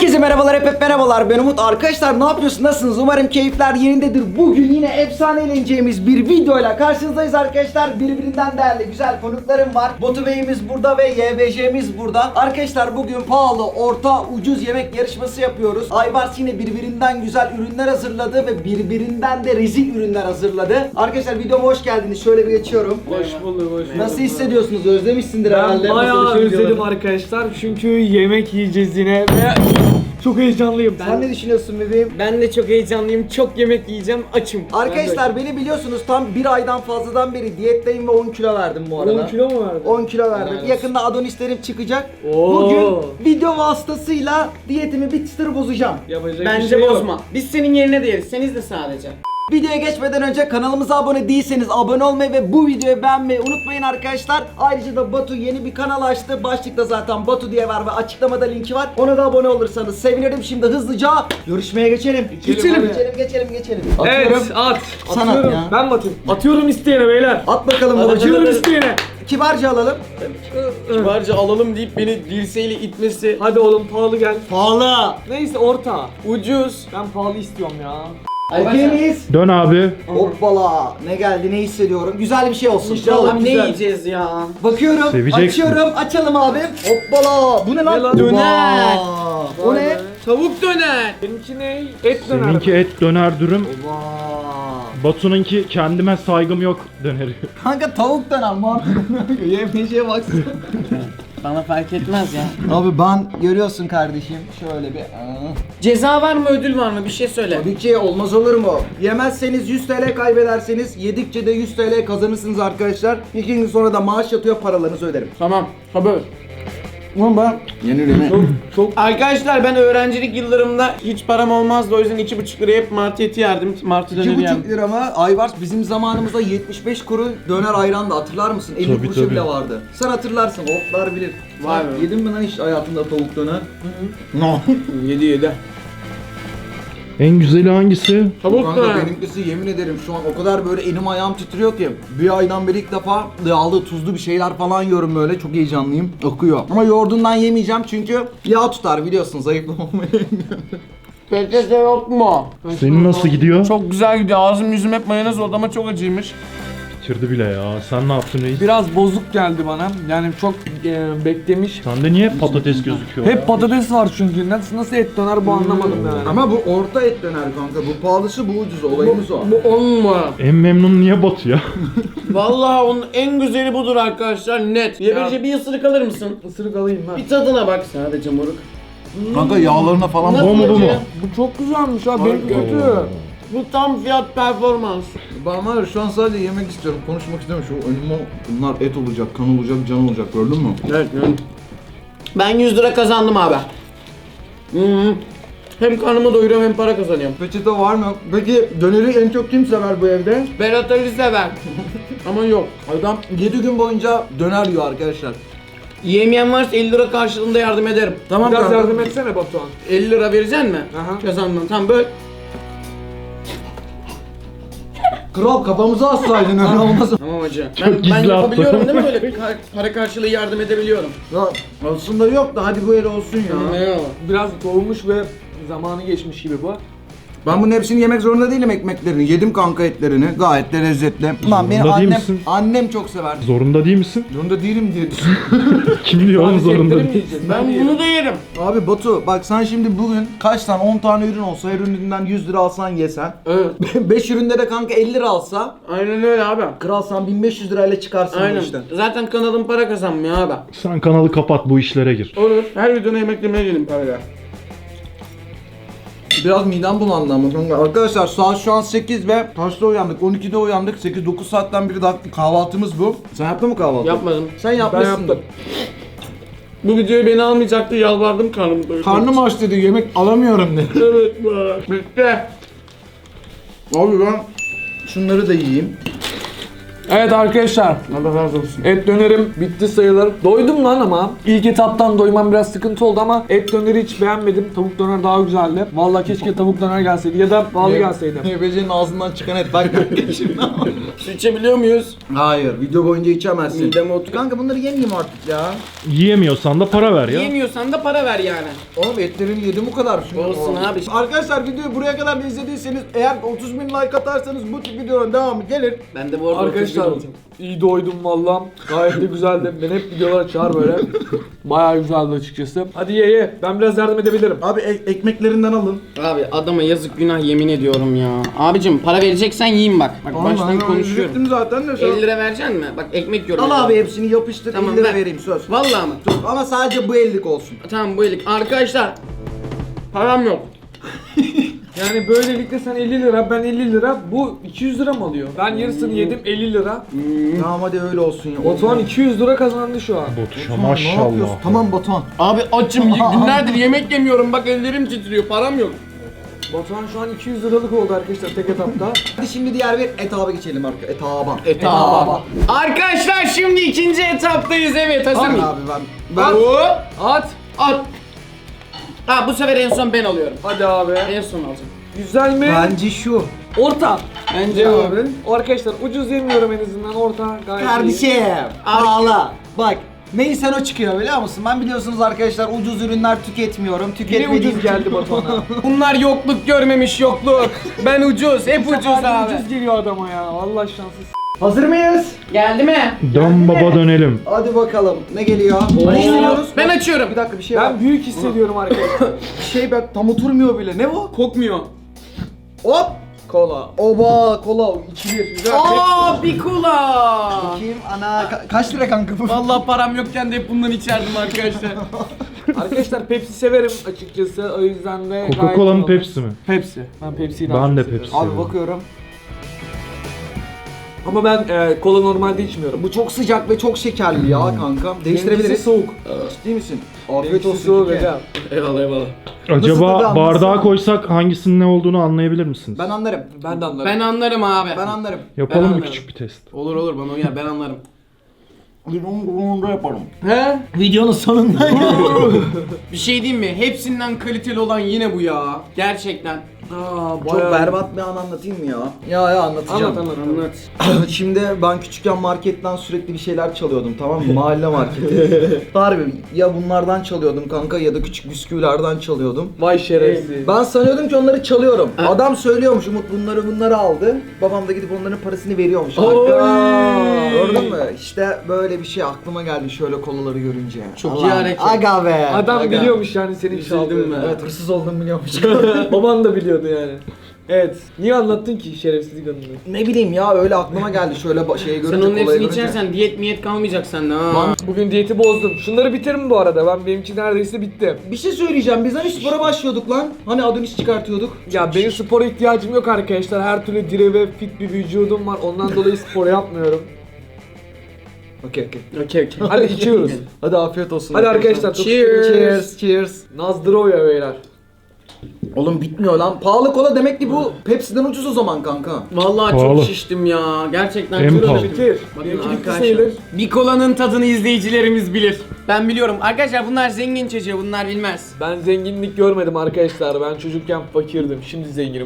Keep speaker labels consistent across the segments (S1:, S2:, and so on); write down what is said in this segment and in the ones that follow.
S1: Herkese merhabalar, hep merhabalar. Ben Umut. Arkadaşlar ne yapıyorsunuz? Nasılsınız? Umarım keyifler yerindedir. Bugün yine efsane eğleneceğimiz bir videoyla karşınızdayız arkadaşlar. Birbirinden değerli güzel konuklarım var. Batu Bey'imiz burada ve YBJ'miz burada. Arkadaşlar bugün pahalı, orta, ucuz yemek yarışması yapıyoruz. Aybars yine birbirinden güzel ürünler hazırladı ve birbirinden de rezil ürünler hazırladı. Arkadaşlar videoma hoş geldiniz. Şöyle bir geçiyorum.
S2: Hoş bulduk, hoş bulduk.
S1: Nasıl hissediyorsunuz? Özlemişsindir
S2: Ben
S1: herhalde.
S2: bayağı
S1: Nasıl
S2: özledim
S1: videoları?
S2: arkadaşlar çünkü yemek yiyeceğiz yine ve çok heyecanlıyım.
S1: Sen ne düşünüyorsun bebeğim?
S3: Ben de çok heyecanlıyım. Çok yemek yiyeceğim. Açım.
S1: Arkadaşlar beni biliyorsunuz, tam bir aydan fazladan beri diyetteyim ve 10 kilo verdim bu arada.
S2: 10 kilo mu verdin?
S1: 10 kilo verdim.
S3: Helal olsun.
S1: Yakında Adonislerim çıkacak.
S2: Oo.
S1: Bugün video vasıtasıyla diyetimi bir çıtır bozacağım.
S2: Yapacak bir
S3: Bence
S2: şey yok.
S3: bozma. Biz senin yerine de yeriz. Sen izle sadece.
S1: Videoya geçmeden önce kanalımıza abone değilseniz abone olmayı ve bu videoyu beğenmeyi unutmayın arkadaşlar. Ayrıca da Batu yeni bir kanal açtı. Başlıkta zaten Batu diye var ve açıklamada linki var. Ona da abone olursanız sevinirim. Şimdi hızlıca görüşmeye geçelim.
S2: Geçelim.
S1: Geçelim.
S2: Evet,
S1: Atıyorum.
S2: at.
S1: Sana
S2: Atıyorum.
S1: ya.
S2: Ben mi atayım? Atıyorum isteyene beyler.
S1: At bakalım babacığım.
S2: Atıyorum isteyene.
S1: Kibarca alalım.
S3: Kibarca alalım deyip beni dirseğiyle itmesi.
S2: Hadi oğlum pahalı gel.
S1: Pahalı.
S2: Neyse orta.
S3: Ucuz.
S2: Ben pahalı istiyorum ya.
S1: Okey miyiz?
S4: Dön abi.
S1: Hoppala. Ne geldi, ne hissediyorum? Güzel bir şey olsun.
S3: İnşallah ne
S2: güzel.
S3: yiyeceğiz ya?
S1: Bakıyorum,
S4: Seveceksin.
S1: açıyorum, açalım abim. Hoppala. Bu ne lan?
S2: Ne lan?
S3: Döner.
S1: Vaa. O
S2: Vay
S1: ne?
S2: be.
S3: Tavuk döner.
S2: Benimki ne? Et döner.
S4: Seninki et döner dürüm.
S1: Vaa.
S4: Batu'nunki kendime saygım yok döneri.
S1: Kanka tavuk döner mantıklı. Yemeyeceğe baksana.
S3: Bana fark etmez ya.
S1: Abi ben görüyorsun kardeşim. Şöyle bir.
S3: Ceza var mı, ödül var mı? Bir şey söyle.
S1: Tabii ki, olmaz olur mu? Yemezseniz 100 TL kaybederseniz, yedikçe de 100 TL kazanırsınız arkadaşlar. 2 gün sonra da maaş yatıyor, paralarınızı öderim.
S3: Tamam. Haber.
S1: Ulan ben
S3: Çok. Arkadaşlar ben öğrencilik yıllarımda hiç param olmazdı. O yüzden 2,5 liraya hep martı eti yerdim. Martı döneri
S1: 2,5
S3: yerdim.
S1: lira mı? Ayvars bizim zamanımızda 75 kuru döner ayrandı, hatırlar mısın? 50
S4: Tabii,
S1: kuruşa
S4: tabii.
S1: bile vardı. Sen hatırlarsın, otlar bilir.
S3: Vay
S1: Sen
S3: be.
S1: yedin mi lan hiç hayatında tavuk döner? No.
S3: 7.
S4: En güzeli hangisi?
S3: Tavuk
S1: Kanka
S3: döner.
S1: benimkisi, yemin ederim şu an o kadar böyle elim ayağım titriyor ki. Bir aydan beri ilk defa yağlı tuzlu bir şeyler falan yiyorum böyle, çok heyecanlıyım. Akıyor. Ama yoğurdundan yemeyeceğim çünkü yağ tutar, biliyorsunuz, zayıflamamayı.
S3: Peçete yok mu?
S4: Senin nasıl gidiyor?
S3: Çok güzel gidiyor. Ağzım yüzüm hep mayonez oldu ama çok acıymış.
S4: Bitirdi bile ya. Sen ne yaptın reis?
S2: Biraz bozuk geldi bana. Yani çok beklemiş.
S4: Sende niye patates gözüküyor?
S2: Hep patates var çünkü. Nasıl et döner bu anlamadım yani.
S1: Ama bu orta et döner kanka. Bu pahalısı, bu ucuz. Olayımız o.
S3: Bu 10 numara.
S4: En memnun niye Batu ya?
S3: Vallahi onun en güzeli budur arkadaşlar, net. Yeberce bir ısırık alır mısın?
S2: Isırık alayım ben.
S3: Bir tadına bak sadece moruk.
S1: Kanka yağlarına falan
S3: Nasıl
S4: Bu mu, bu mu?
S3: acı?
S2: Bu çok güzelmiş ha. Benimki kötü.
S3: Bu tam fiyat performans.
S1: Ben var ya, şu an sadece yemek istiyorum. Konuşmak istemiyorum. Şu önüme bunlar et olacak, kan olacak, can olacak. Gördün mü?
S3: Evet. Ben 100 lira kazandım abi. Hı. Hem karnımı doyuruyorum hem para kazanıyorum.
S1: Peçete var mı? Peki döneri en çok kim sever bu evde?
S3: Berat Ali sever. Ama yok.
S1: Adam 7 gün boyunca döner yiyor arkadaşlar.
S3: Yemeyen varsa 50 lira karşılığında yardım ederim.
S1: Tamam
S2: Biraz
S1: kanka.
S2: yardım etsene Batuhan.
S3: 50 lira vereceksin mi?
S2: Aha.
S3: Kazandın. Tamam böyle.
S1: Kral, kafamıza assaydın, öyle olmaz.
S3: Tamam hacı.
S4: Çok
S3: Ben
S4: gizli
S3: yapabiliyorum
S4: attı.
S3: değil mi böyle? Para karşılığı yardım edebiliyorum.
S1: Ya aslında yok da hadi bu el olsun ya.
S3: Eyvallah.
S2: Biraz soğumuş ve zamanı geçmiş gibi bu.
S1: Ben bunun hepsini yemek zorunda değilim, ekmeklerini. Yedim kanka etlerini. Gayet de lezzetli. Lan benim
S4: Zorunda değil
S1: annem,
S4: misin?
S1: annem çok sever.
S4: Zorunda değil misin?
S1: Zorunda değilim diye düşünüyorum.
S4: Kim diyor oğlum zorunda
S2: Yiyecekleri mi
S4: değil?
S2: yiyeceğiz?
S3: Ben
S2: yerim.
S3: bunu da yerim.
S1: Abi Batu, bak sen şimdi bugün kaç tane, 10 tane ürün olsa, her ürününden 100 lira alsan yesen.
S3: Evet.
S1: 5 üründe de kanka 50 lira alsa,
S3: Aynen öyle abi.
S1: kral sen 1500 lirayla çıkarsın bu
S3: Aynen.
S1: işten.
S3: Zaten kanalım para kazanmıyor abi.
S4: Sen kanalı kapat, bu işlere gir.
S3: Olur. Her videona yemek yemeye gelin parayla.
S1: Biraz midem bulandı ama kanka. Arkadaşlar saat şu an 8 ve kaçta uyandık? 12'de uyandık. 8-9 saatten beri daha kahvaltımız bu. Sen yaptın mı kahvaltı?
S3: Yapmadım.
S1: Sen yapmışsın.
S2: yaptım.
S3: Bu videoyu beni almayacaktı, yalvardım karnım doyurdu.
S1: Karnım aç dedi, yemek alamıyorum dedi.
S3: Evet be. Bitti.
S1: Abi ben şunları da yiyeyim.
S2: Evet arkadaşlar.
S3: Allah razı olsun.
S2: Et dönerim bitti sayılır. Doydum lan ama. İlk etaptan doymam biraz sıkıntı oldu ama et döneri hiç beğenmedim. Tavuk döner daha güzeldi. Vallahi keşke tavuk döner gelseydi ya da pahalı gelseydi.
S1: YBC'nin ağzından çıkan et bak kanka şimdi.
S3: Su içebiliyor muyuz?
S1: Hayır, video boyunca içemezsin.
S3: Mideme otur.
S1: Kanka bunları yemeyeyim artık ya.
S4: Yiyemiyorsan da para ver ya.
S3: Yemiyorsan da para ver yani.
S1: Oğlum etlerini yedim bu kadar.
S3: Olsun abi.
S1: Arkadaşlar videoyu buraya kadar da izlediyseniz eğer 30.000 like atarsanız bu tip videoların devamı gelir.
S3: Ben de bu arada
S2: Arkadaşlar
S3: 31 olacağım.
S2: iyi doydum vallahi. Gayet de güzeldi. Ben hep videolar açar böyle. Bayağı güzeldi açıkçası. Hadi ye. Ben biraz yardım edebilirim.
S1: Abi ekmeklerinden alın.
S3: Abi adama yazık günah yemin ediyorum ya. Abicim para vereceksen yiyeyim bak. Bak baştan konuşuyorum.
S1: Zaten de
S3: 50 lira vereceksin mi? Bak ekmek yiyorum.
S1: Al abi hepsini yapıştır,
S3: Tamam,
S1: 50 lira
S3: ver.
S1: vereyim söz.
S3: Vallahi mı?
S1: Ama sadece bu 50'lik olsun.
S3: Tamam bu elik. Arkadaşlar. Param yok.
S2: Yani böylelikle sen 50 lira, ben 50 lira, bu 200 lira mı alıyor? Ben yarısını yedim 50 lira.
S1: Tamam hadi öyle olsun ya.
S2: Batuhan 200 lira kazandı şu an.
S4: Botuşa
S1: Ne yapıyorsun?
S4: maşallah.
S1: Tamam Batuhan.
S3: Abi açım günlerdir yemek yemiyorum bak ellerim titriyor param yok.
S2: Batuhan şu an 200 liralık oldu arkadaşlar tek etapta.
S1: Hadi şimdi diğer bir etaba geçelim arkadaşlar. Etaba.
S3: Etaba. Arkadaşlar şimdi ikinci etaptayız evet hazır
S1: Abi
S3: mıyım?
S1: ben
S3: Hop,
S2: At.
S3: at. Ha bu sefer en son ben alıyorum.
S2: Hadi abi.
S3: En son alacağım.
S2: Güzel mi?
S1: bence şu.
S2: Orta.
S3: Bence bu.
S2: O arkadaşlar ucuz yemiyorum en azından orta gayet iyi.
S1: Kardeşim. Ağla. Bak. Neysen o çıkıyor biliyor musun? Ben biliyorsunuz arkadaşlar ucuz ürünler tüketmiyorum.
S2: Yine
S1: Tüketmediğim
S2: ucuz geldi Batuhan'a.
S3: Bunlar yokluk görmemiş yokluk. Ben ucuz hep ucuz abi.
S2: Ucuz geliyor adama ya. Allah şanssız.
S1: Hazır mıyız?
S3: Geldi mi?
S4: Dön baba dönelim.
S1: Hadi bakalım. Ne geliyor? Ne istiyoruz?
S3: Ben açıyorum.
S1: Bir dakika bir şey var.
S2: Ben büyük hissediyorum arkadaşlar.
S1: Bir şey bak tam oturmuyor bile. Ne bu?
S3: Kokmuyor.
S1: Hop.
S2: Kola.
S1: Oba kola 2-1. Güzel.
S3: Aa bir kola.
S1: Bakayım ana kaç lira kanka bu?
S3: Vallahi param yokken de hep bundan içerdim arkadaşlar.
S2: Arkadaşlar Pepsi severim açıkçası o yüzden de gayet
S4: Coca-Cola mı
S2: iyi
S4: Pepsi mi?
S2: Pepsi. Ben Pepsi'yi daha
S4: Ben
S2: çok
S4: de
S2: seviyorum.
S4: Pepsi.
S1: Abi bakıyorum.
S2: Ama ben kola normalde içmiyorum.
S1: Bu çok sıcak ve çok şekerli ya kanka.
S2: Benimkisi
S1: Değiştirebiliriz.
S2: soğuk.
S1: Ciddi misin? Afiyet
S2: Benimkisi
S1: olsun.
S2: soğuk
S1: Kike.
S2: hocam.
S3: Eyvallah eyvallah.
S1: Nasıl tadı
S4: Acaba
S1: anlatsana.
S4: bardağa koysak hangisinin ne olduğunu anlayabilir misiniz?
S1: Ben anlarım.
S2: Ben de anlarım.
S3: Ben anlarım abi.
S1: Ben anlarım.
S4: Yapalım
S3: Ben
S4: mı
S3: anlarım.
S4: küçük bir test?
S3: Olur olur bana uyar ben anlarım.
S1: Videonun yaparım.
S2: He?
S1: Videonun sonunda
S3: Bir şey diyeyim mi? Hepsinden kaliteli olan yine bu ya. Gerçekten.
S2: Aa,
S1: Çok berbat bir an anlatayım mı ya? Ya anlatacağım.
S2: Anlat.
S1: Şimdi ben küçükken marketten sürekli bir şeyler çalıyordum tamam mı? Mahalle marketi. Harbi ya bunlardan çalıyordum kanka ya da küçük bisküvilerden çalıyordum.
S2: Vay şerefsiz.
S1: Ben sanıyordum ki onları çalıyorum. Adam söylüyormuş Umut bunları aldı. Babam da gidip onların parasını veriyormuş. Gördün mü? İşte böyle bir şey aklıma geldi şöyle kolaları görünce.
S3: Çok iyi hareket.
S1: Aga be.
S2: Adam
S1: aga.
S2: biliyormuş yani senin
S3: Üzüldüm
S2: çaldığını.
S3: ben.
S1: Evet hırsız olduğumu biliyormuş.
S2: Baban da biliyordu yani. Evet. Niye anlattın ki şerefsizlik anını?
S1: Ne bileyim ya öyle aklıma geldi şöyle şeye görünce
S3: Sen onun
S1: kolayı
S3: hepsini
S1: görünce.
S3: içersen diyet miyet kalmayacak sende ha.
S2: Bugün diyeti bozdum. Şunları bitirin bu arada. Benimki neredeyse bitti.
S1: Bir şey söyleyeceğim biz hani spora başlıyorduk lan. Hani Adonis çıkartıyorduk.
S2: Ya benim spora ihtiyacım yok arkadaşlar. Her türlü diri ve fit bir vücudum var. Ondan dolayı spor yapmıyorum.
S1: Okey.
S3: Okey.
S2: Hadi içiyoruz.
S1: Hadi afiyet olsun.
S2: Hadi arkadaşlar. çok
S3: Cheers.
S1: Cheers. Cheers.
S2: Nazdroya beyler.
S1: Oğlum bitmiyor lan. Pahalı kola demek ki bu Pepsi'den ucuz o zaman kanka.
S3: Vallahi
S4: Pahalı.
S3: çok şiştim ya. Gerçekten
S4: En
S3: çok
S4: pahalı.
S3: şiştim.
S2: Bitir.
S3: Bakın
S2: Benimki bitti
S3: arkadaşlar.
S2: sayılır.
S3: Bir kolanın tadını izleyicilerimiz bilir. Ben biliyorum. Arkadaşlar bunlar zengin çocuğu. Bunlar bilmez.
S2: Ben zenginlik görmedim arkadaşlar. Ben çocukken fakirdim. Şimdi zenginim.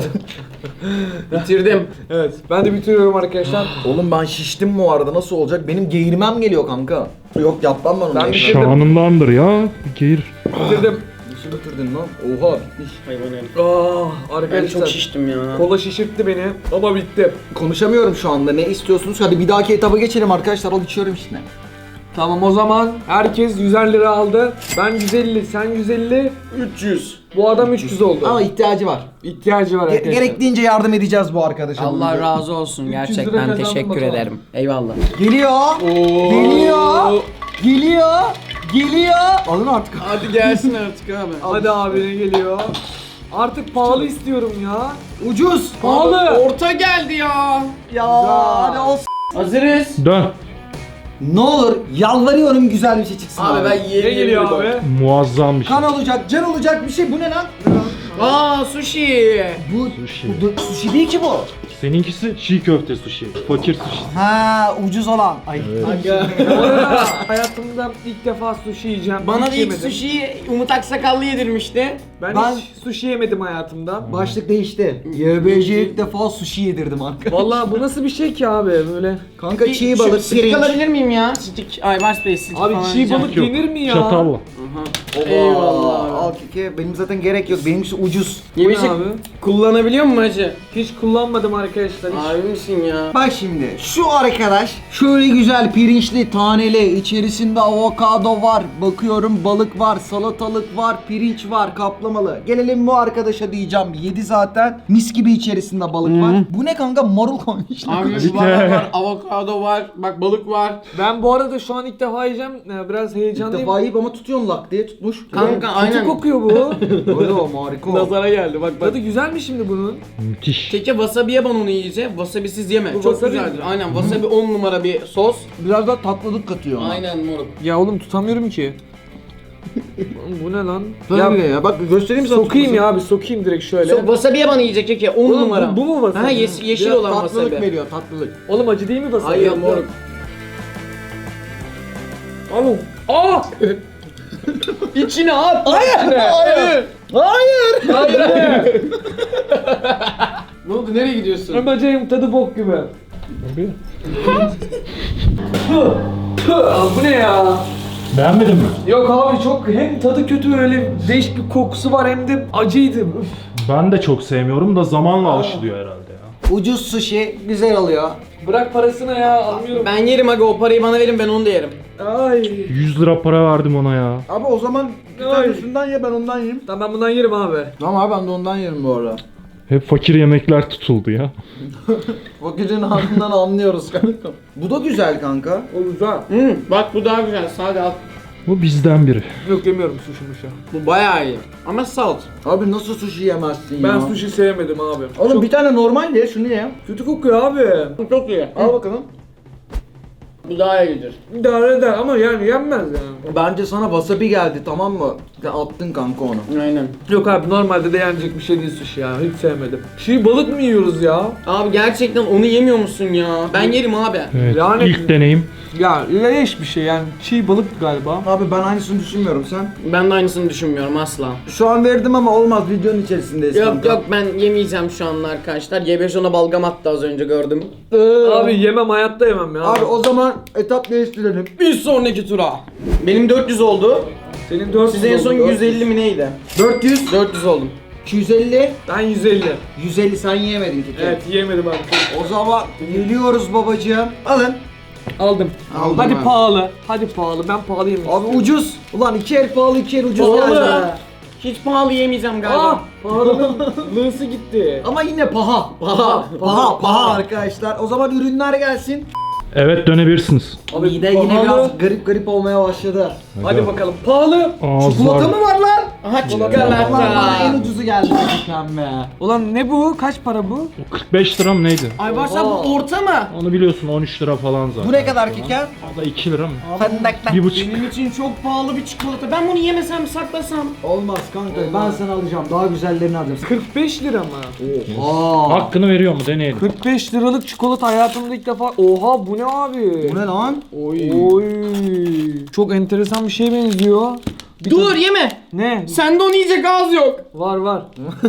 S3: Bitirdim.
S2: Evet. Ben de bitiriyorum arkadaşlar.
S1: Oğlum ben şiştim bu arada nasıl olacak? Benim geğirmem geliyor kanka. Yok yapmam ben onu.
S2: Ben
S1: Ben
S2: bir şey-
S4: Şanındandır ya. Geğir.
S2: Bitirdim.
S1: Nasıl bitirdin lan? Oha bitmiş.
S3: Hayvan herif.
S2: Ah
S3: Ben
S2: arkadaşlar.
S3: çok şiştim ya.
S2: Kola şişirtti beni ama bitti.
S1: Konuşamıyorum şu anda. Ne istiyorsunuz? Hadi bir dahaki etaba geçelim arkadaşlar. Al içiyorum işte.
S2: Tamam o zaman herkes 100'er lira aldı. Ben 150, sen 150,
S3: 300.
S2: bu adam 300 oldu.
S1: Ama ihtiyacı var.
S2: İhtiyacı var arkadaşlar.
S1: Gerektiğince yardım edeceğiz bu arkadaşa.
S3: Allah
S1: bugün.
S3: razı olsun
S2: 300 lira
S3: gerçekten
S2: kazandım
S3: teşekkür
S2: Batuhan.
S3: ederim. Eyvallah.
S1: Geliyor. Geliyor. Geliyor. Geliyor. Alın artık.
S3: Hadi gelsin artık abi.
S2: Hadi abi ne geliyor? Artık pahalı istiyorum ya.
S1: Ucuz.
S2: Pahalı.
S3: Orta geldi ya.
S1: Ya hadi olsun.
S3: Hazırız.
S4: Dön.
S1: Ne olur yalvarıyorum güzel bir şey çıksın abi.
S3: Abi ben
S2: Ne geliyor abi?
S4: Muazzam bir şey.
S1: Kan olacak, can olacak bir şey. Bu ne lan?
S3: Aa sushi.
S4: Sushi.
S1: Bu sushi değil ki bu.
S4: Seninkisi çiğ köfte sushi. Fakir sushi.
S1: Ha, ucuz olan. Ay.
S3: Aga.
S2: Bu arada hayatımda ilk defa sushi yiyeceğim.
S3: Bana
S2: Hiç
S3: da ilk
S2: yemedim.
S3: sushi'yi Umut Aksakallı yedirmişti.
S2: Ben
S1: Ben-
S2: hiç sushi yemedim hayatımda.
S1: Başlık değişti. YBC'ye ilk defa sushi yedirdim arkadaşlar.
S2: Vallahi bu nasıl bir şey ki abi böyle?
S1: Kanka çiğ balık,
S3: Stick
S1: pirinç.
S3: alabilir miyim ya? Stick. Ay var space stick
S2: Abi
S3: falan
S2: çiğ
S3: yiyeceğim.
S2: balık
S4: Yok.
S2: yenir mi ya?
S4: Çatalla.
S3: Eyvallah abi.
S1: Al keke. Benim zaten gerek yok. Benimkisi ucuz.
S3: Yemişik
S2: abi?
S3: kullanabiliyor musun hacı?
S2: Hiç kullanmadım arkadaşlar. Hiç.
S3: Abi misin ya?
S1: Bak şimdi şu arkadaş şöyle güzel pirinçli taneli içerisinde avokado var, bakıyorum balık var, salatalık var, pirinç var, kaplamalı. Gelelim bu arkadaşa diyeceğim, yedi zaten, mis gibi içerisinde balık var. Bu ne kanka, marul koymuşlar.
S3: Abi var, avokado var, bak balık var.
S2: Ben bu arada şu an ilk defa yiyeceğim. Biraz
S1: İlk
S2: heyecanlıyım.
S1: defa yiyip ama tutuyorsun lak diye tutmuş.
S3: Kanka
S2: Kötü
S3: aynen.
S2: kokuyor bu.
S1: Öyle o, harika o.
S2: Nazara geldi bak. Tadı güzel mi şimdi bunun?
S4: Müthiş.
S3: Keke wasabi'ye ban onu iyice. Wasabisiz yeme.
S2: Bu
S3: Çok
S2: wasabi
S3: güzeldir.
S2: mi?
S3: Aynen wasabi 10 numara bir sos.
S1: Biraz daha tatlılık katıyor ona.
S3: Aynen moruk.
S2: Ya oğlum tutamıyorum ki. Oğlum bu ne lan?
S1: Tabii ya, bak göstereyim sana.
S2: Sokayım ya abi, sokayım direkt şöyle.
S3: Wasabi'ye ban yiyecek Keke 10
S2: Oğlum,
S3: numara.
S2: bu mu wasabi?
S3: Ha yeşil
S1: Biraz
S3: olan
S1: tatlılık
S3: wasabi.
S1: veriyor, tatlılık.
S2: Oğlum acı değil mi wasabi?
S3: Hayır moruk.
S2: Oğlum. Aa!
S3: İçine at.
S1: Hayır, hayır. Hayır.
S2: Hayır.
S3: Ne oldu nereye gidiyorsun?
S2: Ben bacayım, tadı bok gibi.
S4: Abi.
S2: Abi bu ne ya?
S4: Beğenmedin mi?
S2: Yok abi, çok hem tadı kötü, öyle değişik bir kokusu var, hem de acıydı. Üf.
S4: Ben de çok sevmiyorum da zamanla alışılıyor herhalde ya.
S1: Ucuz sushi güzel oluyor.
S2: Bırak parasını ya, almıyorum.
S3: Ben yerim aga, o parayı bana verin, ben onu da yerim.
S2: Ay.
S4: 100 lira para verdim ona ya.
S1: Abi o zaman bir
S2: Ay.
S1: tanesinden ye, ben ondan yiyeyim.
S2: Tamam, ben bundan yerim abi.
S1: Tamam abi, ben de ondan yerim bu arada.
S4: Hep fakir yemekler tutuldu ya.
S1: Fakirin ağzından anlıyoruz kanka. Bu da güzel kanka.
S2: O güzel.
S3: Bak bu daha güzel, sade al.
S4: Bu bizden biri.
S2: Yok, yemiyorum sushi muşa.
S3: Bu bayağı iyi. Ama salt.
S1: Abi nasıl sushi yemezsin
S2: Ben
S1: ya?
S2: sushi sevmedim abi.
S1: Oğlum
S2: Çok
S1: bir tane normal ye, şunu ye.
S2: kötü kokuyor abi.
S3: Bu çok iyi.
S1: Al bakalım.
S3: Bu daha iyidir.
S2: İdare eder ama yani yenmez yani.
S1: Bence sana wasabi geldi, tamam mı? Sen attın kanka onu.
S3: Aynen.
S2: Yok abi, normalde de yenecek bir şey değil sushi ya. Hiç sevmedim. Çiğ balık mı yiyoruz ya?
S3: Abi gerçekten onu yemiyor musun ya? Ben yerim abi.
S4: Evet.
S2: Yani-
S4: ilk deneyim.
S2: Ya leş bir şey yani. Çiğ balık galiba.
S1: Abi ben aynısını düşünmüyorum, sen?
S3: Ben de aynısını düşünmüyorum asla.
S1: Şu an verdim ama olmaz, videonun içerisindeyiz
S3: Yok
S1: kanka.
S3: yok, ben yemeyeceğim şu anda arkadaşlar. YBJ ona balgam attı az önce, gördüm.
S2: Abi yemem, hayatta yemem ya.
S1: Abi o zaman etap değiştirelim.
S3: Bir sonraki tura. Benim 400 oldu.
S2: Senin 400
S3: Size en son
S2: oldu.
S3: 150 mi neydi?
S1: 400,
S3: 400 oldum.
S1: 250,
S2: Ben 150.
S1: 150 sen yiyemedin ki.
S2: Evet, yiyemedim abi.
S1: O zaman geliyoruz babacığım. Alın.
S2: Aldım.
S1: Aldım
S2: Hadi
S1: abi.
S2: pahalı. Hadi pahalı. Ben pahalı yemek
S1: Abi ucuz. Ulan iki el pahalı, iki el ucuz
S3: Pahalı.
S1: geldi.
S3: Hiç pahalı yemeyeceğim galiba.
S2: Ah! Pahalının lığısı gitti.
S1: Ama yine paha. Paha arkadaşlar. O zaman ürünler gelsin.
S4: Evet, dönebilirsiniz.
S2: Abi
S1: Mide yine
S2: pahalı.
S1: biraz garip olmaya başladı.
S2: Hadi bakalım. Pahalı.
S1: Çikolata mı var lan?
S3: Aha
S1: Ulan bana en
S3: çikolata.
S1: ucuzu geldi lütfen be.
S2: Ulan ne bu? Kaç para bu?
S4: O 45 lira mı neydi?
S3: Ay varsa bu orta mı?
S4: Onu biliyorsun, 13 lira falan zaten.
S1: Bu ne kadar kiker?
S4: O da 2 lira mı?
S1: Fındıklı.
S4: 1,5.
S3: Benim için çok pahalı bir çikolata. Ben bunu yemesem, saklasam.
S1: Olmaz kanka, ben sana alacağım. Daha güzellerini alacağım.
S2: 45 lira mı?
S1: Oha.
S4: Hakkını veriyor mu? Deneyelim.
S2: 45 liralık çikolata hayatımda ilk defa. Oha, bu ne abi?
S1: Bu ne lan?
S2: Oy. Çok enteresan bir şeye benziyor. Bir
S3: Dur yeme.
S2: Ne?
S3: Sende onu yiyecek ağız yok.
S2: Var var.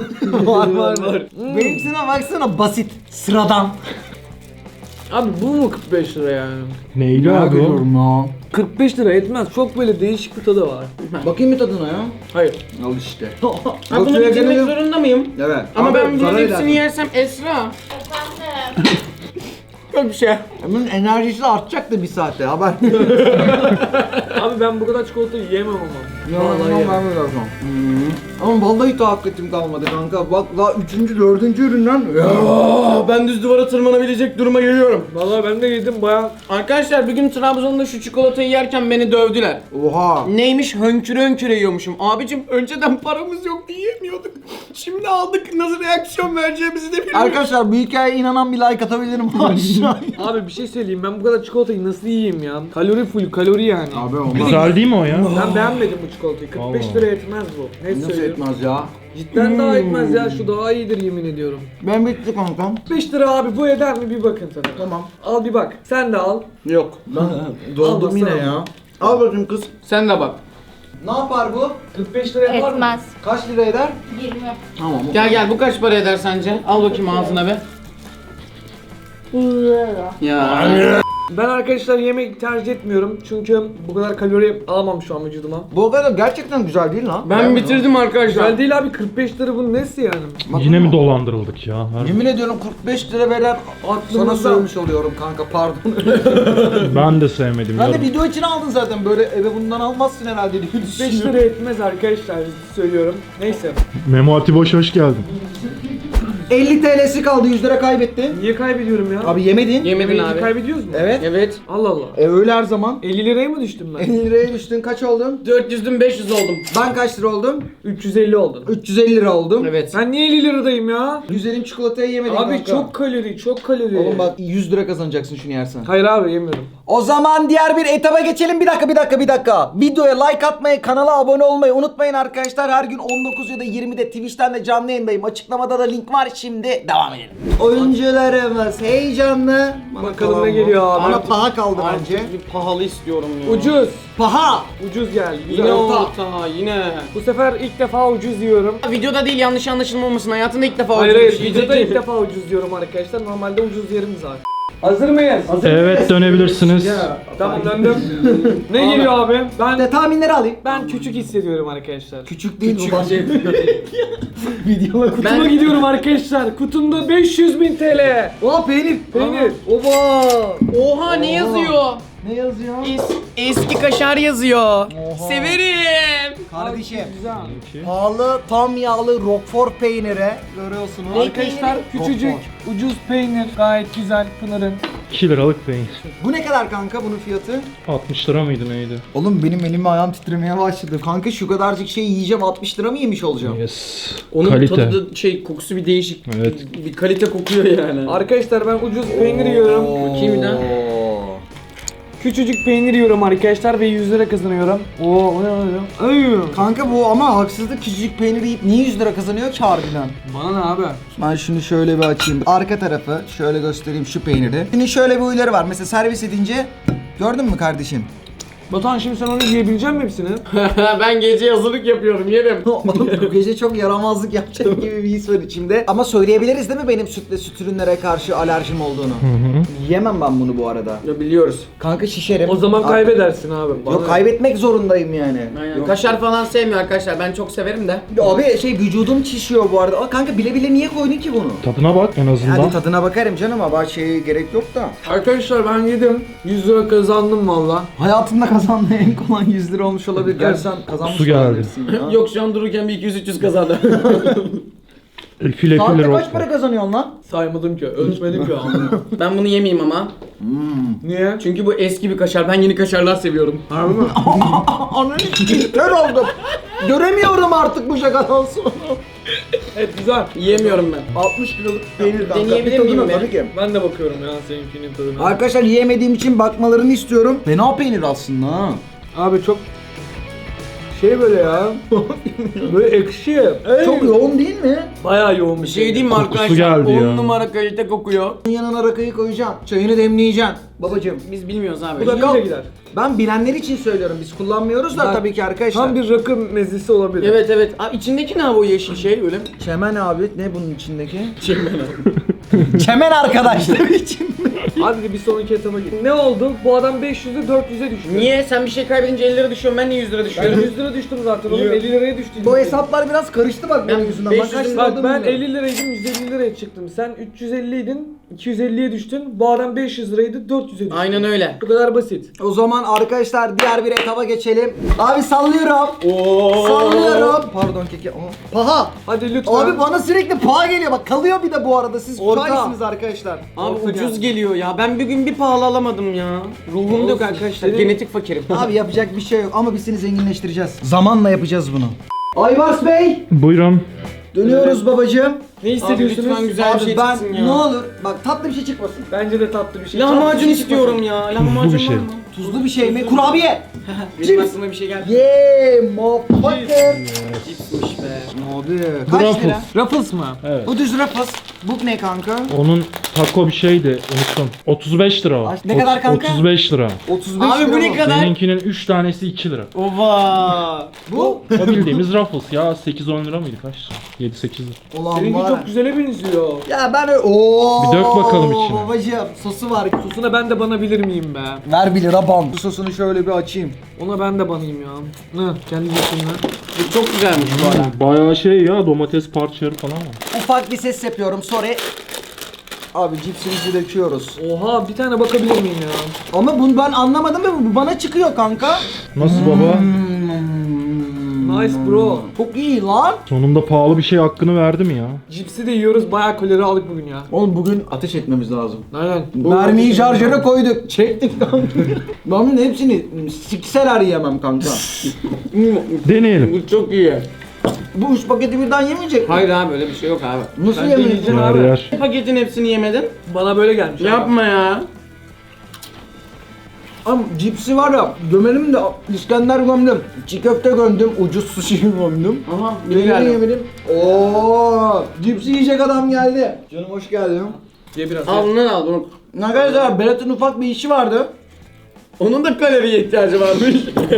S1: var. Benimkine baksana, basit. Sıradan.
S2: Abi bu mu 45 lira yani?
S4: Neyli abi o?
S1: ya.
S2: 45 lira etmez. Çok böyle değişik bir tadı var.
S1: Bakayım bir tadına ya.
S2: Hayır.
S1: Al işte.
S3: Ha bunu bitirmek zorunda mıyım?
S1: Evet.
S3: Ama
S1: Abi,
S3: ben bunların
S1: parayla.
S3: hepsini yersem Esra. Yok bir şey.
S1: Bunun enerjisi artacak da bir saatte haber.
S2: Abi ben bu kadar çikolata yiyemem ama.
S1: Vallahi ben de lazım. Ama vallahi takkatim kalmadı kanka. Bak daha 3. 4. üründen.
S3: Aa, ben düz duvara tırmanabilecek duruma geliyorum.
S2: Vallahi ben de yedim baya.
S3: Arkadaşlar bugün Trabzon'da şu çikolatayı yerken beni dövdüler.
S1: Oha.
S3: Neymiş, hönküre hönküre yiyormuşum. Abicim önceden paramız yoktu, yiyemiyorduk. Şimdi aldık, nasıl reaksiyon vereceğimizi de bilmiyoruz.
S1: Arkadaşlar bu hikayeye inanan bir like atabilirim aşağıya.
S2: Abi bir şey söyleyeyim. Ben bu kadar çikolatayı nasıl yiyeyim ya? Kalori full, kalori yani.
S3: Abi olmaz.
S4: Güzel değil mi o ya?
S2: Ben beğenmedim bu çikolatayı. 45
S4: Allah.
S2: lira etmez bu. Ne
S3: Nasıl
S2: söylüyorum?
S3: etmez ya?
S2: Cidden daha etmez ya. Şu daha iyidir yemin ediyorum.
S3: Ben bitti kankam.
S2: 45 lira abi bu eder mi? Bir bakın sana.
S3: Tamam.
S2: Al bir bak. Sen de al.
S3: Yok. Doldum yine ya. Al bakayım kız. Sen de bak.
S1: Ne yapar bu?
S2: 45 lira yapar mı?
S5: Etmez.
S1: Kaç lira eder?
S5: 20.
S3: Tamam. Gel bu kaç para eder sence? Al bakayım ağzına be.
S5: 100 lira.
S3: Ya.
S2: Ben arkadaşlar yemek tercih etmiyorum. Çünkü bu kadar kalori alamam şu an vücuduma.
S1: Bu kadar gerçekten güzel değil lan.
S3: Ben bitirdim arkadaşlar.
S2: Güzel değil abi 45 lira bunun nesi yani?
S4: Yine mi dolandırıldık ya?
S1: Yemin ediyorum 45 lira veren sana
S2: Aklımızda.
S1: sövmüş oluyorum kanka pardon.
S4: Ben de sevmedim.
S1: Ben de
S4: yorum.
S1: video için aldın zaten böyle eve bundan almazsın herhalde diye
S2: 5
S1: düşünüyorum.
S2: lira etmez arkadaşlar söylüyorum. Neyse.
S4: Memo Atiboş hoş geldin.
S1: 50 TL'si kaldı 100 lira kaybetti.
S2: Niye kaybediyorum ya?
S1: Abi yemedin.
S3: Yemedin
S2: Yemeği
S3: abi.
S2: kaybediyoruz mu?
S1: Evet.
S3: Evet.
S2: Allah Allah.
S1: Öyle her zaman.
S2: 50 liraya mı düştüm ben?
S1: 50 liraya düştün kaç oldun?
S3: 400'dün 500 oldum.
S1: Ben kaç lira oldum?
S2: 350 oldu.
S1: 350 lira oldum.
S3: Evet.
S2: Ben niye 50 liradayım ya?
S1: Güzelim çikolatayı yemedin
S2: Abi
S1: kanka.
S2: çok kalori, çok kalori.
S1: Oğlum bak 100 lira kazanacaksın şunu yersen.
S2: Hayır abi yemiyorum.
S1: O zaman diğer bir etaba geçelim. Bir dakika. Videoya like atmayı, kanala abone olmayı unutmayın arkadaşlar. Her gün 19 ya da 20'de Twitch'ten de canlı yayındayım. Açıklamada da link var. Şimdi devam edelim. Oyuncularımız heyecanlı.
S2: Bakalım ne geliyor abi.
S1: Bana paha kaldı
S3: Artık
S1: bence.
S3: bir pahalı istiyorum ya.
S2: Ucuz.
S1: Paha.
S2: Ucuz geldi. Güzel.
S3: Yine
S2: Orta.
S3: orta yine.
S2: Bu sefer ilk defa ucuz diyorum.
S3: Videoda değil yanlış anlaşılmamasın. Hayatında ilk defa
S2: Hayır
S3: ucuz
S2: hayır
S3: bir şey
S2: videoda
S3: yiyecek.
S2: ilk defa ucuz diyorum arkadaşlar. Normalde ucuz yerim zaten. Hazır mıyız?
S4: Evet dönebilirsiniz.
S2: Tamam döndüm. Ne geliyor abi?
S1: De tahminleri alayım.
S2: Ben küçük hissediyorum arkadaşlar.
S1: Küçük değil bu başka. Videolar kutu.
S2: Kutuma gidiyorum arkadaşlar. Kutumda 500.000 TL.
S1: Oha peynir.
S2: Peynir.
S1: Oba.
S3: Oha ne yazıyor?
S1: Ne yazıyor?
S3: Eski kaşar yazıyor. Severim.
S1: Kardeşim.
S2: Güzel.
S1: Pahalı tam yağlı Roquefort peyniri görüyorsunuz.
S2: Arkadaşlar küçücük ucuz peynir gayet güzel Pınar'ın.
S4: 2 liralık peynir.
S1: Bu ne kadar kanka bunun fiyatı?
S4: 60 lira mıydı neydi?
S1: Oğlum benim elim ayağım titremeye başladı. Kanka şu kadarcık şey yiyeceğim 60 lira mı yemiş olacağım?
S4: Yes.
S3: Onun
S4: Kalite.
S3: tadı da kokusu bir değişik.
S4: Evet.
S3: Bir kalite kokuyor yani.
S2: Arkadaşlar ben ucuz peynir yiyorum.
S3: Bakayım bir daha.
S2: Küçücük peynir yiyorum arkadaşlar ve 100 lira kazanıyorum. Oo o ne oluyor? Ay.
S1: Kanka bu ama haksızlık küçücük peynir yiyip niye 100 lira kazanıyor ki harbiden?
S2: Bana ne abi?
S1: Ben şunu şöyle bir açayım. Arka tarafı şöyle göstereyim şu peyniri. Şimdi şöyle bir huyları var. Mesela servis edince gördün mü kardeşim?
S2: Batuhan şimdi sen onu yiyebilecek misin hepsini?
S3: Ben gece hazırlık yapıyorum yerim.
S1: Oğlum bu gece çok yaramazlık yapacak gibi bir his var içimde. Ama söyleyebiliriz değil mi benim süt ve süt ürünlere karşı alerjim olduğunu? Yiyemem ben bunu bu arada.
S3: Ya biliyoruz.
S1: Kanka şişerim.
S2: O zaman kaybedersin abi.
S1: Yok kaybetmek zorundayım yani.
S3: Aynen.
S1: Yok.
S3: Kaşar falan sevmiyor arkadaşlar. Ben çok severim de.
S1: Abi şey vücudum şişiyor bu arada. Aa, kanka bile bile niye koydun ki bunu?
S4: Tadına bak en azından.
S1: Hadi tadına bakarım canım ama şeye gerek yok da.
S2: Arkadaşlar ben yedim. 100 lira kazandım valla.
S1: Hayatımda kazandığım en kolay 100 lira olmuş olabilir. Gerçi sen kazanmış
S4: Su geldi.
S1: olabilirsin ya.
S3: Yok şu an dururken bir 200-300 kazandı.
S4: File
S1: Saatte
S4: file
S1: kaç para kazanıyorsun lan?
S2: Saymadım ki, ölçmedim ki.
S3: Ben bunu yemeyeyim ama.
S2: Niye?
S3: Çünkü bu eski bir kaşar. Ben yeni kaşarlar seviyorum.
S2: Harbi mi?
S1: Ananı kör oldum. Göremiyorum artık bu şakadan sonra.
S2: Evet güzel.
S3: Yiyemiyorum ben.
S1: 60 liralık peynir kanka.
S3: Deneyebilir
S1: Bir tadına
S3: miyim ben?
S1: tabii ki.
S2: Ben de bakıyorum ya seninkinin tadına.
S1: Arkadaşlar yiyemediğim için bakmalarını istiyorum. Fena peynir aslında ha.
S2: Abi çok şey böyle ya. Böyle ekşi.
S1: Çok yoğun değil mi?
S2: Bayağı yoğun bir
S3: Bir şey diyeyim mi
S4: Kokusu
S3: arkadaşlar?
S4: geldi
S3: 10
S4: ya.
S3: numara kalite kokuyor.
S1: Yanına rakıyı koyacaksın. Çayını demleyeceksin. Babacım.
S3: Biz bilmiyoruz abi.
S2: Bu da böyle gider.
S1: Ben bilenler için söylüyorum. Biz kullanmıyoruz da
S2: Ben-
S1: tabii ki arkadaşlar.
S2: Tam bir rakı mezesi olabilir.
S3: Evet evet. Abi içindeki ne abi o yeşil şey öyle?
S1: Çemen abi. Ne bunun içindeki? Çemen arkadaşlar için.
S2: Hadi bir sonraki etaba git. Ne oldu? Bu adam 500'e 400'e düştü.
S3: Niye? Sen bir şey kaybedince 50 lira düşüyorsun. Ben niye 100 lira
S2: Ben
S3: düşüyorum?
S2: 100 lira düştüm zaten oğlum.
S3: Yok.
S2: 50 liraya düştüm.
S1: Bu hesaplar biraz karıştı bak
S3: Ben
S1: benim yüzümden.
S3: 500
S1: kaç lira
S2: Bak
S1: olduğumu
S2: ben
S1: bilmiyorum.
S2: 50 liraydım 150 liraya çıktım. Sen 350 idin 250'ye düştün. Bu adam 500 liraydı 400'e düştü.
S3: Aynen öyle.
S2: Bu kadar basit.
S1: O zaman arkadaşlar diğer bir etaba geçelim. Abi sallıyorum.
S3: Oo.
S1: Sallıyorum. Pardon keke. Paha.
S2: Hadi lütfen.
S1: Abi bana sürekli paha geliyor. Bak kalıyor bir de bu arada. Siz
S2: Orta.
S1: şahitsiniz arkadaşlar.
S3: Abi
S2: Orta
S3: ucuz
S2: geldi.
S3: geliyor ya. Ben bir gün bir pahalı alamadım ya. Ruhum yok
S2: Olsun.
S3: arkadaşlar.
S2: Senin-
S3: Genetik fakirim.
S1: Abi yapacak bir şey yok ama biz seni zenginleştireceğiz. Zamanla yapacağız bunu. Aybars Bey.
S4: Buyurun.
S1: Dönüyoruz babacığım.
S2: Ne hissediyorsunuz?
S3: lütfen güzel bir
S1: Abi
S3: şey
S1: ben
S3: çıksın ya.
S1: ne olur bak tatlı bir şey çıkmasın.
S2: Bence de tatlı bir şey.
S3: Lahmacun
S1: şey
S3: istiyorum ya. Lahmacun
S4: bir şey.
S3: var mı?
S1: Tuzlu bir şey mi? Kurabiye.
S3: Benim aklıma bir şey geldi.
S1: Yeee motherfucker.
S3: Cipsmiş be.
S1: Abi
S4: Bu
S1: kaç
S4: Ruffles.
S1: lira?
S2: Ruffles mı?
S4: Evet.
S1: Bu düz Ruffles. Bu ne kanka?
S4: Onun taco bir şeydi unuttum. 35 lira o.
S1: Ne kadar kanka?
S4: 35 lira.
S1: 35
S3: Abi bu
S1: lira
S3: ne
S1: mı?
S3: kadar?
S4: Benimkinin 3 tanesi 2 lira.
S3: Ova.
S1: Bu?
S4: O bildiğimiz Ruffles ya 8-10 lira mıydı kaç lira? 7-8 lira.
S1: Ulan
S2: Seninki
S1: var.
S2: çok güzele benziyor.
S1: Ya ben öyle... Ooo.
S4: Bir dök bakalım içine.
S1: Babacığım sosu var.
S2: Sosuna ben de banabilir miyim be?
S1: Ver 1 lira bam. Bu sosunu şöyle bir açayım.
S2: Ona ben de banayım ya. Ne? Kendi yetimle.
S3: Bu çok güzelmiş bu arada.
S4: Bayağı şey ya domates parçaları falan var.
S1: Ufak bir ses yapıyorum sorry. Abi cipsimizi döküyoruz.
S2: Oha bir tane bakabilir miyim ya?
S1: Ama bunu ben anlamadım ve bu bana çıkıyor kanka.
S4: Nasıl baba?
S2: Nice bro.
S1: Çok iyi lan.
S4: Sonunda pahalı bir şey hakkını verdi mi ya?
S2: Cipsi de yiyoruz bayağı kalori aldık bugün ya.
S1: Oğlum bugün ateş etmemiz lazım.
S2: Aynen.
S1: Mermiyi şarjöre koyduk. Çektik kanka. Ben bunun hepsini sikseler yiyemem kanka.
S4: Deneyelim.
S3: Bu çok iyi.
S1: Bu 3 paketi birden yemeyecek mi?
S3: Hayır abi öyle bir şey yok abi.
S1: Nasıl
S2: Ben de
S1: yemeyeceksin
S2: yiyeceğim
S1: abi?
S2: abi.
S4: Yer.
S3: Paketin hepsini yemedin.
S2: Bana böyle gelmiş.
S3: Yapma ya.
S1: Ama cipsi var ya gömelim de İskender gömdüm. Çiğ köfte gömdüm. Ucuz sushi gömdüm.
S3: Aha
S1: Yemin
S3: güzel.
S1: yemedim. Ooo cipsi yiyecek adam geldi. Canım hoş geldin.
S2: Ye biraz.
S3: Al bundan al bunu.
S1: Arkadaşlar Berat'ın ufak bir işi vardı.
S3: Onun da kaloriye ihtiyacı varmış.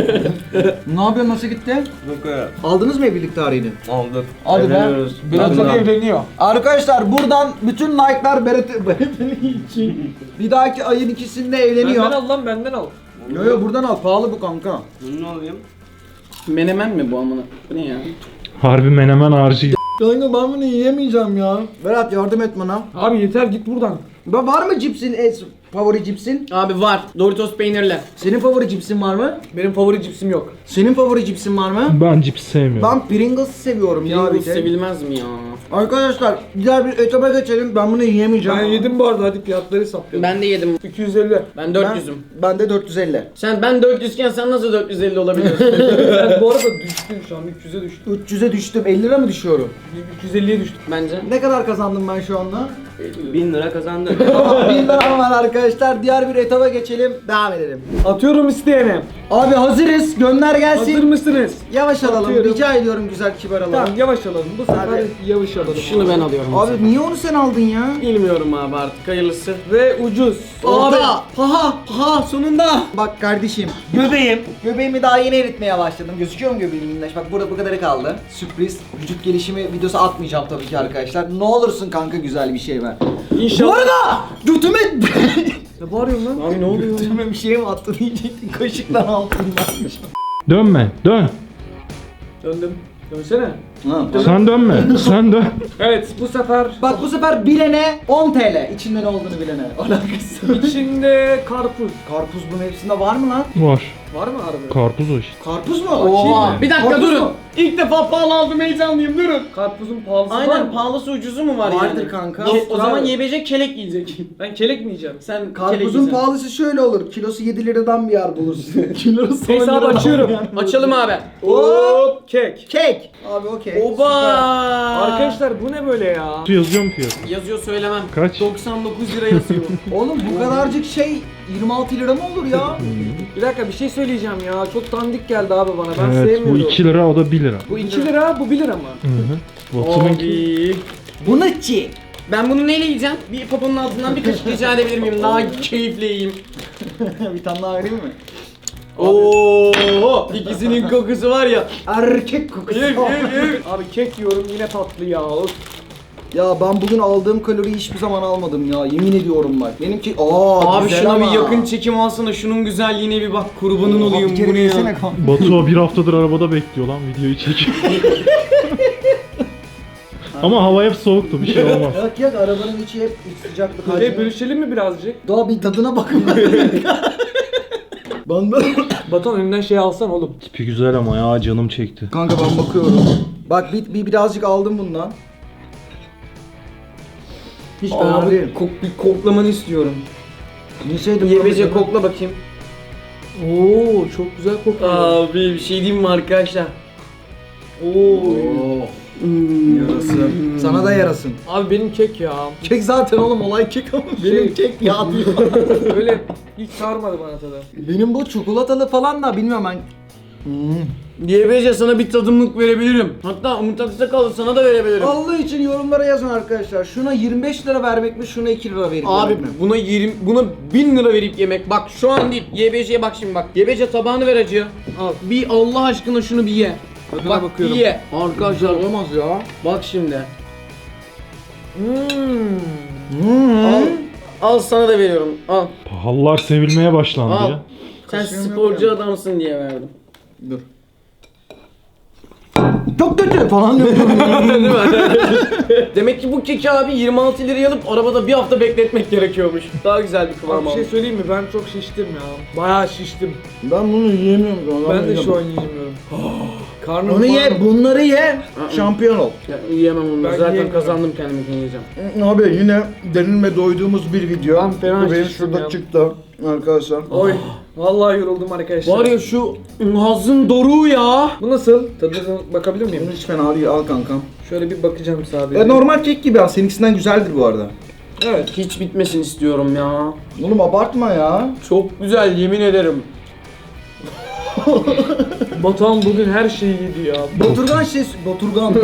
S1: Ne yapıyor nasıl gitti? Aldınız mı evlilik tarihini?
S3: Aldık.
S1: Hadi be.
S2: Berat'ın evleniyor.
S1: Arkadaşlar buradan bütün like'lar Berat'ın için. Bir dahaki ayın ikisinde evleniyor.
S2: Benden al lan benden al.
S1: Yo yo buradan al pahalı bu kanka.
S3: Bunu alayım. Menemen mi bu amına? Bu ne ya?
S4: Harbi menemen harcı.
S1: Kanka ben bunu yiyemeyeceğim ya. Berat yardım et bana.
S2: Abi yeter git buradan.
S1: Var mı cipsin favori cipsin?
S3: Abi var. Doritos peynirli.
S1: Senin favori cipsin var mı?
S2: Benim favori cipsim yok.
S1: Senin favori cipsin var mı?
S4: Ben cips sevmiyorum.
S1: Ben Pringles'ı seviyorum ya bir
S3: Pringles
S1: de.
S3: sevilmez mi ya?
S1: Arkadaşlar diğer bir etaba geçelim. Ben bunu yiyemeyeceğim.
S2: Ben yedim bu arada hadi fiyatları hesaplayalım.
S3: Ben de yedim.
S2: 250.
S3: Ben 400'üm.
S1: Ben de 450.
S3: Ben 400 iken sen nasıl 450 olabiliyorsun?
S2: Ben bu arada düştüm şu an 300'e düştüm.
S1: 300'e düştüm. 50 lira mı düşüyorum?
S2: 250'ye düştüm.
S3: Bence.
S1: Ne kadar kazandım ben şu anda?
S3: 1000 lira kazandın.
S1: Tamam 1000 liram var arkadaşlar. Diğer bir etaba geçelim. Devam edelim.
S2: Atıyorum isteyene.
S1: Abi hazırız. Gönder gelsin.
S2: Hazır mısınız?
S1: Yavaş alalım.
S2: Atıyorum.
S1: Rica ediyorum güzel kibar alalım.
S2: Tamam yavaş alalım. Bu sefer
S1: Hadi.
S2: yavaş alalım.
S3: Şunu ben alıyorum.
S1: Abi niye onu sen aldın ya?
S3: Bilmiyorum abi artık hayırlısı.
S2: Ve ucuz.
S1: Orta.
S3: Ha sonunda.
S1: Bak kardeşim. Göbeğim. Göbeğimi daha yeni eritmeye başladım. Gözüküyor mu göbeğim minnaş? Bak burada bu kadarı kaldı. Sürpriz. Vücut gelişimi videosu atmayacağım tabii ki arkadaşlar. Ne olursun kanka güzel bir şey ver.
S2: İnşallah.
S1: Bu arada götüme...
S2: Ne bağırıyorsun lan?
S3: Abi ne oluyor?
S1: götüme bir şey mi attın diyecektin. Kaşıktan altındanmış.
S4: Dönme. Dön.
S2: Döndüm. Dönsene.
S4: Sen dönme. Sen dön.
S2: Evet bu sefer
S1: Bak bu sefer bilene 10 TL. İçinde ne olduğunu bilene. Alakası.
S2: içinde karpuz.
S1: Karpuz bunun hepsinde var mı lan?
S4: Var.
S2: Var mı harbi?
S4: Karpuz o işte.
S1: Karpuz mu?
S3: Oha. Bir dakika
S1: Karpuz
S3: durun.
S1: mu?
S3: İlk defa pahalı aldım heyecanlıyım durun.
S2: Karpuzun pahalısı var
S3: Aynen
S2: mı?
S3: pahalısı ucuzu mu var
S1: Vardır
S3: yani?
S1: kanka.
S3: O zaman YBC kelek yiyecek.
S2: Ben kelek mi yiyeceğim?
S3: Sen kelek
S1: Karpuzun
S3: yiyeceksin.
S1: pahalısı şöyle olur. Kilosu 7 liradan bir yer bulursun. Kilosu 10
S2: Hesabı
S1: liradan
S2: açıyorum.
S1: bir yer bulursun.
S3: Açalım abi.
S2: Hop kek.
S1: Kek. Abi okey.
S3: Oba.
S2: Arkadaşlar bu ne böyle ya?
S4: Su yazıyor mu fiyat?
S3: Yazıyor söylemem.
S4: Kaç?
S3: 99 lira yazıyor.
S1: Oğlum bu kadarcık şey 26 lira mı olur ya?
S2: Bir dakika bir şey söyleyeceğim ya. Çok dandik geldi abi bana. Ben
S4: Evet bu
S2: sevmiyorum.
S4: 2 lira o da 1 lira.
S2: Bu 2 lira, bu 1 lira mı?
S4: Hı hı. Batu'nunki
S3: Abi.
S1: Bu ne ki?
S3: Ben bunu neyle yiyeceğim? Bir poponun altından bir kaşık rica edebilir miyim? Daha keyifle yiyeyim.
S1: Bir tane daha vereyim mi?
S3: Oo, ikisinin kokusu var ya.
S1: Erkek kokusu.
S2: Abi kek yiyorum yine tatlı ya. Of.
S1: Ya ben bugün aldığım kaloriyi hiçbir zaman almadım ya. Yemin ediyorum bak. Benimki
S3: Abi
S1: güzel
S3: şuna
S1: ama.
S3: bir yakın çekim alsana. Şunun güzelliğine bir bak. Kurbanın olayım
S1: Bir kere
S3: bunu ya.
S1: yesene kanka.
S4: Batu o bir haftadır arabada bekliyor lan videoyu çekiyor. Ama hava hep soğuktu bir şey olmaz.
S1: Yak yak arabanın içi hep sıcaklık.
S2: Kuzey bölüşelim mi birazcık?
S1: Daha bir tadına bakın. Ben de...
S2: Batuhan önünden şey alsan oğlum.
S4: Tipi güzel ama ya canım çekti.
S1: Kanka ben bakıyorum. Bak birazcık aldım bundan. Hiç fena
S3: Abi
S1: değil.
S3: bir koklamanı istiyorum.
S1: Yeseydim
S3: YBC kokla bakayım.
S2: Oo çok güzel kokuyor.
S3: Abi bir şey diyeyim mi arkadaşlar?
S2: Oo.
S1: Oo. Yarası. Sana da yarasın.
S2: Abi benim kek ya.
S1: Kek zaten oğlum, olay kek ama benim kek yağ diyor.
S2: Öyle hiç sarmadı bana tadı.
S1: Benim bu çikolatalı falan da bilmiyorum ben.
S3: YBC sana bir tadımlık verebilirim. Hatta Umut Aksakallı sana da verebilirim.
S1: Allah için yorumlara yazın arkadaşlar. Şuna 25 lira vermek mi, şuna 2 lira verip
S3: Abi
S1: vermek mi?
S3: buna 1000 lira verip yemek. Bak şu an değil. YBC'ye bak şimdi bak. YBC tabağını ver acıya. Al. Bir Allah aşkına şunu bir ye.
S2: Tadına
S3: Bak
S2: bakıyorum.
S3: bir ye. Arkadaşlar olamaz ya. Bak şimdi. Al. Al sana da veriyorum. Al.
S4: Pahalılar sevilmeye başlandı
S3: Al.
S4: ya.
S3: Sen
S1: Kaşığım yok
S3: sporcu
S1: ya.
S3: adamsın diye verdim.
S1: Dur. Çok kötü falan diyor.
S3: Değil mi? Demek ki bu keki abi 26 liraya alıp arabada bir hafta bekletmek gerekiyormuş. Daha güzel bir kıvam
S2: Abi bir
S3: aldı.
S2: şey söyleyeyim mi? Ben çok şiştim ya. Bayağı şiştim.
S1: Ben bunu yiyemiyorum.
S2: Ben de şu an yiyemiyorum. Karnım
S1: Onu
S2: var
S1: ye,
S2: mı?
S1: bunları ye. Şampiyon ol.
S3: Ya, yiyemem onu.
S2: Ben
S3: Zaten
S2: yiyemiyorum.
S3: kazandım kendimi yiyeceğim.
S1: Abi yine denilme doyduğumuz bir video.
S2: Ben fena
S1: Bu benim
S2: şiştim
S1: şurada
S2: ya.
S1: çıktı arkadaşlar.
S2: Oy. Vallahi yoruldum arkadaşlar.
S3: Var ya şu Naz'ın doruğu ya.
S2: Bu nasıl? Tadına bakabilir miyim?
S1: Bunu hiç fena değil, al kankam.
S2: Şöyle bir bakacağım sadece.
S1: Normal kek gibi, seninkisinden güzeldir bu arada.
S3: Evet. Hiç bitmesin istiyorum ya.
S1: Oğlum abartma ya.
S3: Çok güzel yemin ederim.
S2: Batuhan bugün her şeyi yedi ya.
S1: Baturgan Baturgan.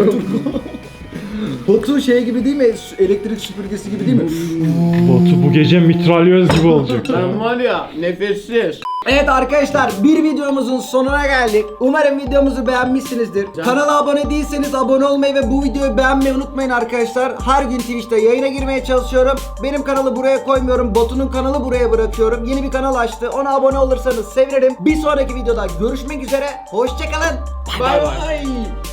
S1: Batu şey gibi değil mi? Elektrik süpürgesi gibi değil mi?
S4: Batu bu gece mitralyöz gibi olacak.
S3: Ben var ya nefessiz.
S1: Evet arkadaşlar, bir videomuzun sonuna geldik. Umarım videomuzu beğenmişsinizdir. Kanala abone değilseniz abone olmayı ve bu videoyu beğenmeyi unutmayın arkadaşlar. Her gün Twitch'te yayına girmeye çalışıyorum. Benim kanalı buraya koymuyorum. Batu'nun kanalı buraya bırakıyorum. Yeni bir kanal açtı. Ona abone olursanız sevinirim. Bir sonraki videoda görüşmek üzere. Hoşçakalın.
S3: Bay bay.